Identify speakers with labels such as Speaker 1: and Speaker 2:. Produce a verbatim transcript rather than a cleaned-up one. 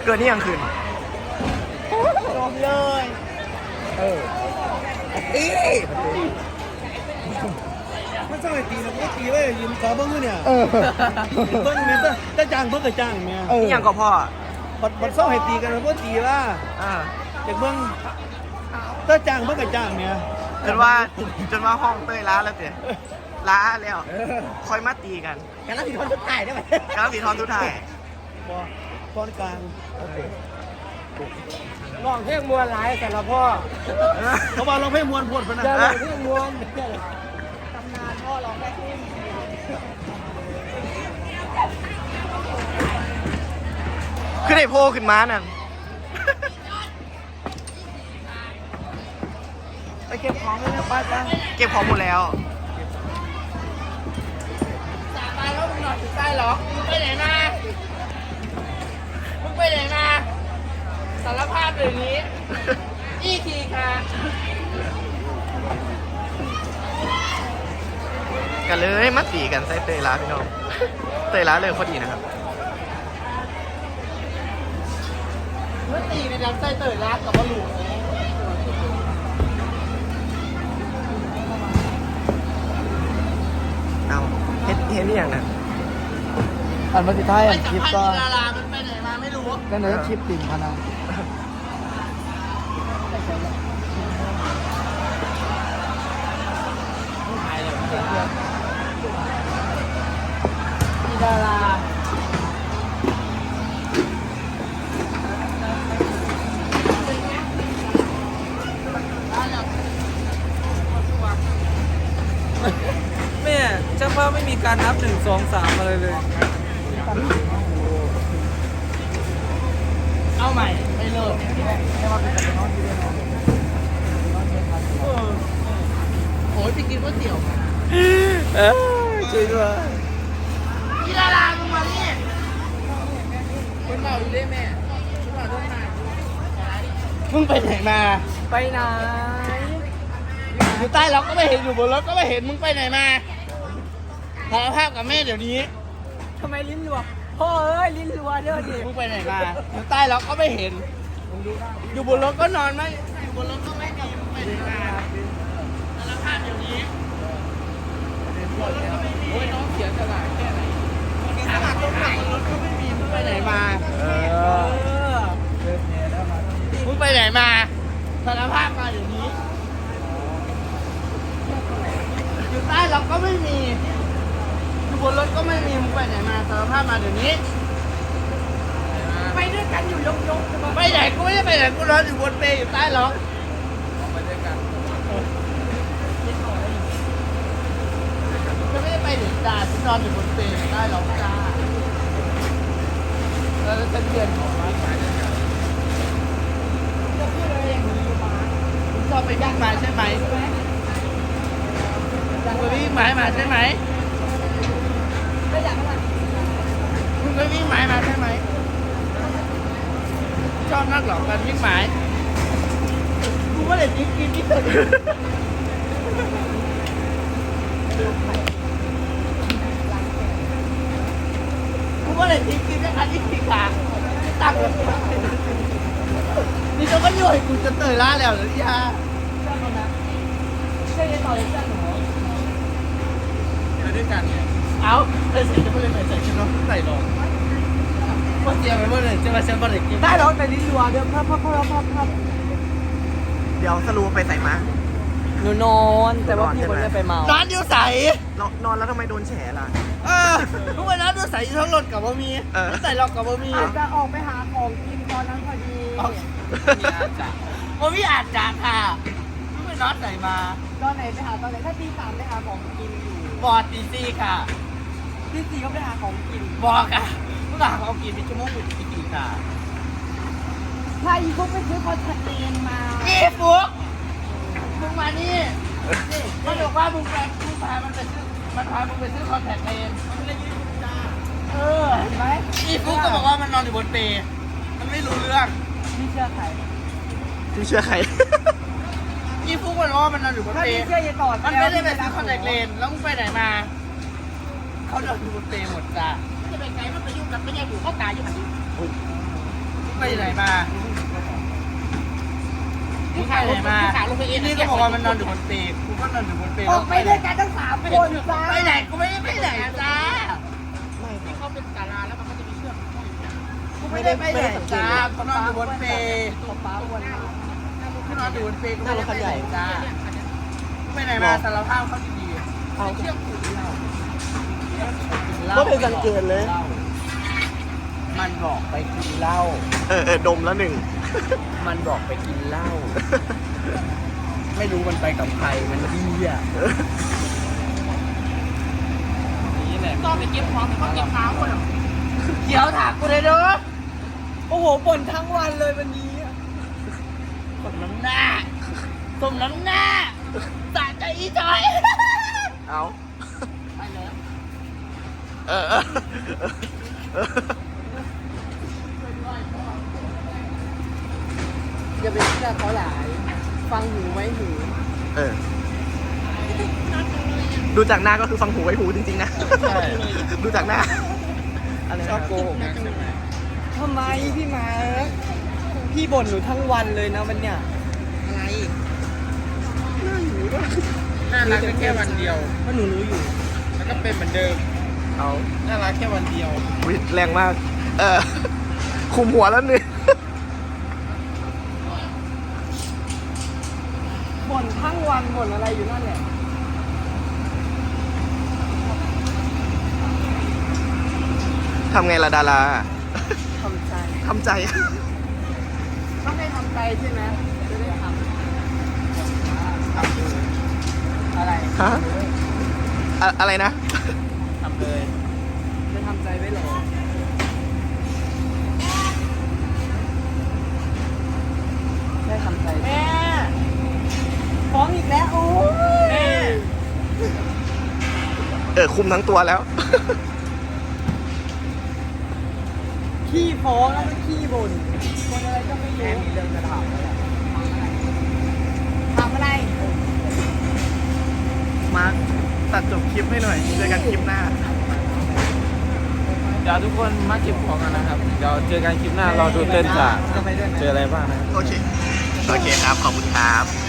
Speaker 1: เกิดนี่ยังคืน
Speaker 2: จบเลย
Speaker 1: เออตี
Speaker 2: ไม่ใช่ตีนะก็ตีไว้ยืมขอเบิ้งเนี่ยเออเบิ้งเนี่ยจะจ้างเบิ้งก็จ้างเนี่ย
Speaker 1: นี่ยังก็พ่อ
Speaker 2: บัดบัดเศร้าให้ตีกันเพื่อตีว่า
Speaker 1: อ่า
Speaker 2: เด็กเบิ้งจะจ้างเบิ้งก็จ้างเนี่ย
Speaker 1: จนว่าจนว่าห้องเต้ยล้าแล้วเจ๊ล้าแล้วคอยมาตีกัน
Speaker 2: กันแล้วสีทอนทุกถ่ายได้ไหม
Speaker 1: กันแล้วสีทอนทุกถ่าย
Speaker 2: พอทอนกลางโอเคลองเพลงมวลหลายแต่ละพ่อเขาบอกลองเพลงมวลพูดพนันลองเพลงมวลตำนานพ่อลองได้ขึ้น
Speaker 1: ขึ้นไอ้โพขึ้นมานั่น
Speaker 2: ไปเก็บของเลยนะป้าจ้า
Speaker 1: เก็บของหมดแล้ว
Speaker 2: สาบานแล้วมึงนอนอยู่ใต้หรอมึงไปไหนมามึงไปไหนมาสารภาพเดี๋ยวนี้อีทีค่ะ
Speaker 1: กันเลยมาตีกันใส่เตยล้าพี่น้องเตยล้าเลยพอดีนะครับ
Speaker 2: เมื่อตีในลำไส้เตยล้ากับบอลลูน
Speaker 1: เอาเฮ็ดเฮ็ดนี่อย่างนั้น
Speaker 2: อันมาติดท้ายอันคลิปก็ดารามันไปไหนมาไม่รู้ก็เนื้อคลิปติ่งพนันมีดารา
Speaker 3: แม่เจ้าพ่อไม่มีการนับหนึ่งสองสามอะไรเลย
Speaker 2: เอาใหม่ไม่เลิกโอ้ยไปกินก๋วยเตี๋ยวมา
Speaker 3: เออช่วยด้วย
Speaker 2: พี่ดารามึงมานี่คนเมาอยู่ด้วยแม่คนเมาด้วยมามึงไปไหนมา
Speaker 3: ไปไหน
Speaker 2: อยู่ใต้ล็อกก็ไม่เห็นอยู่บนรถก็ไม่เห็นมึงไปไหนมาขอภาพกับแม่เดี๋ยวนี้
Speaker 3: ทำไมลิ้นรัวพ่อเอ้ยลิ้นรัวเด้อดิ
Speaker 2: มึงไปไหนมาอยู่ใต้ล็อกก็ไม่เห็นอยู่บนรถก็นอนไม่อยู่บนรถก็ไม่มีมึงไปไหนมาสารภาพเดี๋ยวนี้โอ้ยน้องเสียสละแค่ไหนเสียสละตรงไหนรถก็ไม่มีมึงไปไหนมาเออมึงไปไหนมาสารภาพมาเดี๋ยวนี้อยู่ใต้ล็อกก็ไม่มีอยู่บนรถก็ไม่มีมึงไปไหนมาสารภาพมาเดี๋ยวนี้
Speaker 3: ไปด้วยกันอยู่ยกยก
Speaker 2: ไปไหนกูไม่ได้ไปไหนกูนอนอยู่บนเปรย์อยู่ใต้ล็อก
Speaker 3: ไปด้วยกัน
Speaker 2: จะไม่ได้ไปถึงจ่าฉันนอนอยู่บนเปรย์อยู่ใต้ล็อกจ้าแล้วจะเดือนของร้านขายด้วยกันจะพูดอะไรอย่างนี้มาคุณชอบไปย่างมาใช่ไหมอยากไปวิ่งไม้มาใช่ไหม
Speaker 3: ไม่อยากอะไร
Speaker 2: มึงไปวิ่งไม้มาใช่ไหมชอบนักหลอกกันวิ่งไม้กูไม่ได้กินกินที่สุดกูไม่ได้กินกินแค่อันนี้ขี้ขาตักนี่เขาก็ย่อยกูจะเตยล้าแล้วหรือยา
Speaker 3: เชื่อยังต่อเลยเชื่อหนู
Speaker 2: ไปด้วยกันเอาไอ้สิจะไม่ได้ไปใส่ชุดน้องใส่หรอกว่าเตรียมไปเมื่อไหร่จะมาเซ็นบอลเด็กกิน
Speaker 3: ได้หรอแต่ลิ้นรัวเดี๋ยวพับพับพับพับพับ
Speaker 1: เดี๋ยวสรุปไปใส่มา
Speaker 3: หนูนอนแต่ว่าพี่คนนี้ไปเมาน
Speaker 2: อนอยู่ใส่
Speaker 1: นอนแล้วทำไมโดนแฉล่ะ
Speaker 2: เออทุกวันนั้นอยู่ใส่ทั้งรถกับบะหมี่ใส่หลอกกับบะหมี่
Speaker 3: จะออกไปหาของกินตอนนั้นพอดี
Speaker 2: บะหมี่อาจจะค่ะทุกวันนอนใส่มา
Speaker 3: ตอนไหนไปหาตอนไหนถ้าตีสามไปหาของกินอยู่
Speaker 2: บอดตีสี่ค่ะ
Speaker 3: ตีสี่ก็ไปหาของกิน
Speaker 2: บอกค่ะเมื่อหาของกินเป็นชั่วโมงเป็นปีๆค่ะ
Speaker 3: ถ้าอีฟุกไปซื้อคอนแทคเลนส์มา
Speaker 2: อีฟุกมึงมานี่นี่มันบอกว่ามึงไปมึงพามันไปซื้อมันพามึงไปซื้อคอนแทคเลนส์มันไม่ได้ยืมจ้า
Speaker 3: เออเห็นไหม
Speaker 2: อีฟุกก็บอกว่ามันนอนอยู่บนเปรย์มันไม่รู้เรื่อง
Speaker 3: พี่เชื่อใคร
Speaker 1: พี่เชื่อใคร
Speaker 2: อีฟุกมันบอกว่ามันนอนอยู่บนเปรย์
Speaker 3: พี่เชื่อยังต่อ
Speaker 2: มันไม่ได้ไปซื้อคอนแทคเลนส์แล้วมึงไปไหนมาเขานอนอยู่บนเปรย์หมดจ้าจะไปไงมันไปยุ่งกับไม่ใช่อยู่เขาตายอยู่ไหนไปไปไหนมามึงไปไหนมานี่ก็บอกว่ามันนอนอยู่บนเปรย์กูก็นอนอยู่บนเปรย์
Speaker 4: ออกไปด้วยกันทั้งสามคนจ้า
Speaker 2: ไปไหนกูไม่ได้ไปไหนจ้า
Speaker 4: ที่เขาเป็นศาลาแล้วมันก็จะมีเชือกห้อยอยู่
Speaker 2: กูไม่ได้ไปไหนจ้ากูนอนอยู่บนเปรย์
Speaker 4: ป้าวันนั้น
Speaker 2: กูนอนอยู่บนเปรย์กูไม่ได้ไปไหนจ้าไปไหนมาสารภาพเขาดีๆเอาเชือกผูกเรา
Speaker 1: ก็เป็นสังเกตเลย
Speaker 2: มันบอกไปกินเหล้า
Speaker 1: เออเออดมแล้วหนึ่ง
Speaker 2: มันบอกไปกินเหล้า ไม่รู้มันไปกับใคร มันเบี้ย
Speaker 3: นี่แหละ
Speaker 4: ต้องไปเก็บของเขาเก็บเท้าคนอ่ะ
Speaker 2: เดี๋ยวถามกูเลยเด้อ
Speaker 3: โอ้โหบ่นทั้งวันเลยวันนี้
Speaker 2: สมน้ำหน้าสมน้ำหน้าสะใจอีจอย
Speaker 1: เอา
Speaker 2: ไปแล้ว
Speaker 1: เออเออเออ
Speaker 4: อย่าไปเชื่อเขาหลาย ฟังหูไว้หู
Speaker 1: เออ ดูจากหน้าก็คือฟังหูไว้หูจริงๆนะ ดูจากหน้า
Speaker 2: ชอบโกหกนะใช่ไหม
Speaker 3: ทำไมพี่มาร์คพี่บ่นหนูทั้งวันเลยนะวันเนี้ย
Speaker 4: อะไร
Speaker 2: น่ารักแค่วันเดียว
Speaker 3: ก็หนูรู้อยู่
Speaker 2: แล้วก็เป็นเหมือนเดิม
Speaker 1: เอา
Speaker 2: น่ารักแค่วันเดียว
Speaker 1: วิแรงมาก เออ คุมหัวแล้วหนึ่ง
Speaker 3: บ่นทั้งวันบ่นอะไรอยู่นั่นแหละ
Speaker 1: ทำไงล่ะดารา
Speaker 3: ทำใจ
Speaker 1: ทำใจ
Speaker 3: ต้องให้ทำใจใช่ไหมจะได้ทำอะไร
Speaker 1: ฮะอะอะไรนะ
Speaker 2: ทำเลย
Speaker 3: จะทำใจไว้เหรอได้ทำใจ
Speaker 2: แม่
Speaker 3: ฟ้องอีกแล้วโอ้ย
Speaker 2: แม่
Speaker 1: เออ คุมทั้งตัวแล้ว
Speaker 3: ขี้ฟ้องแล้วก็ขี้บ่นคนอะไรก็ไม่รู้มีเรื่องจะถามอะไร
Speaker 4: ทำอะไร
Speaker 1: มาร์คตัดจบคลิปให้หน่อย เจอกันคลิปหน้า
Speaker 3: เดี๋ยวทุกคนมาเก็บของกันนะครับ เดี๋ยวเจอกันคลิปหน้า เราดูเต้นจะเจออะไรบ้างนะครับ
Speaker 1: โอเค โอเคครับ ขอบคุณครับ